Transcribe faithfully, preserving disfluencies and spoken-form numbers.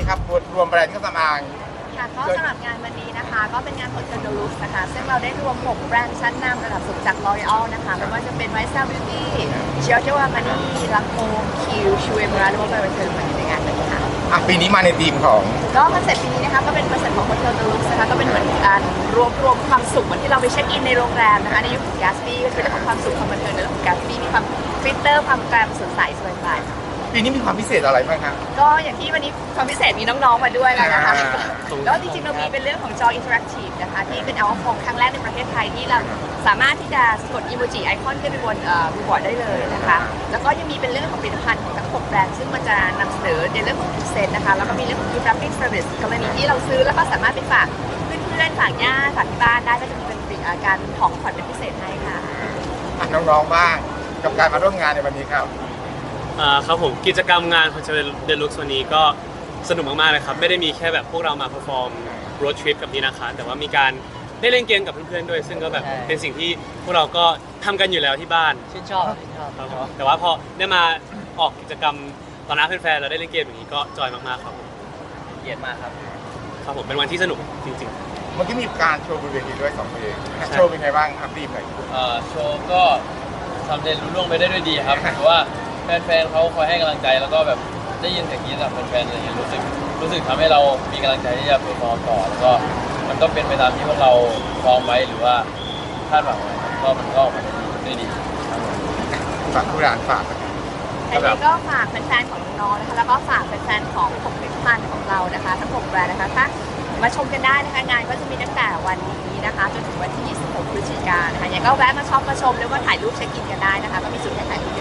ครับรวมแบรนด์เครื่องสำอางค่ะก็สำหรับงานวันนี้นะคะก็เป็นงาน Hotel de Luxe นะคะซึ่งเราได้รวมหกแบรนด์ชั้นนำระดับสูงจาก L'Oreal นะคะไม่ว่าจะเป็น Vista Beauty Giorgio Armani Lancôme Q ชูเอมราหรือว่า By Return มาในงานนี้ค่ะอ่ะปีนี้มาในธีมของก็คอนเซ็ปต์ปีนี้นะคะก็เป็นคอนเซ็ปต์ของ Hotel de Luxe นะคะก็เป็นเหมือนการรวบรวมความสุขเหมือนที่เราไปเช็คอินในโรงแรมนะคะในยุคของ Gatsby ก็เป็นเรื่องของความสุขความบันเทิงในเรื่องของ Gatsby มีความฟิลเตอร์ความแกรมสดใสสวยงามปีนี้มีความพิเศษอะไรบ้างครับก็อย่างที่วันนี้ความพิเศษมีน้องๆมาด้วยแล้วนะคะอ่าแล้วจริงๆเรามีเป็นเรื่องของจออินเทอร์แอคทีฟนะคะที่เป็นเอาของครั้งแรกในประเทศไทยที่เราสามารถที่จะกดอีโมจิไอคอนขึ้นไปบนรีบอร์ดได้เลยนะคะแล้วก็ยังมีเป็นเรื่องของผลิตภัณฑ์ของทั้งหกแบรนด์ซึ่งมันจะนำเสนอในเรื่องของเซนนะคะแล้วก็มีเรื่องของ gift wrapping service กรณีที่เราซื้อแล้วก็สามารถไปฝากเพื่อนๆฝากญาติฝากที่บ้านได้ก็จะมีเป็นการของขวัญเป็นพิเศษให้ค่ะอ่ะน้องๆบ้างกับการมาร่วมงานในวันนี้ครับอ่าครับผมกิจกรรมงาน Hotel de Luxe วันนี้ก็สนุกมากๆเลยครับไม่ได้มีแค่แบบพวกเรามาเพอร์ฟอร์มโรดทริปกับพี่นะคะแต่ว่ามีการได้เล่นเกมกับเพื่อนๆด้วยซึ่งก็แบบเป็นสิ่งที่พวกเราก็ทำกันอยู่แล้วที่บ้านชื่นชอบชื่นชอบครับผมแต่ว่าพอได้มาออกกิจกรรมตอนหน้าแฟนๆเราได้เล่นเกมอย่างนี้ก็จอยมากๆครับผมเกียรติมากครับครับผมเป็นวันที่สนุกจริงๆเมื่อกี้มีการโชว์บนเวทีด้วยสองเพลงโชว์เป็นไงบ้างครับดีมหน่อยเอ่อโชว์ก็ทำเด่นรุ่ล่วงไปได้ด้วยดีครับเพราะว่าแฟนๆเขาคอยให้กำลังใจแล้วก็แบบได้ยินเสียงกรี๊ดจากแฟนๆอะไรเงี้ยรู้สึกรู้สึกทำให้เรามีกำลังใจที่จะเพอร์ฟอร์มต่อแล้วก็มันก็เป็นไปตามที่พวกเราฟอร์มไว้หรือว่าคาดหวังไว้ก็มันก็ออกมาได้ดีครับฝากผู้ร้านฝากอันนี้ก็ฝากแฟนๆของน้องๆนะคะแล้วก็ฝากแฟนๆของผลิตภัณฑ์ของเรานะคะทั้งหกแบรนด์นะคะถ้ามาชมกันได้นะคะงานก็จะมีตั้งแต่วันนี้นะคะจนถึงวันที่ยี่สิบหกพฤศจิกายนนะคะยังก็แวะมาช็อปมาชมแล้วก็ถ่ายรูปเช็คอินกันได้นะคะก็มีจุดให้ถ่ายรูป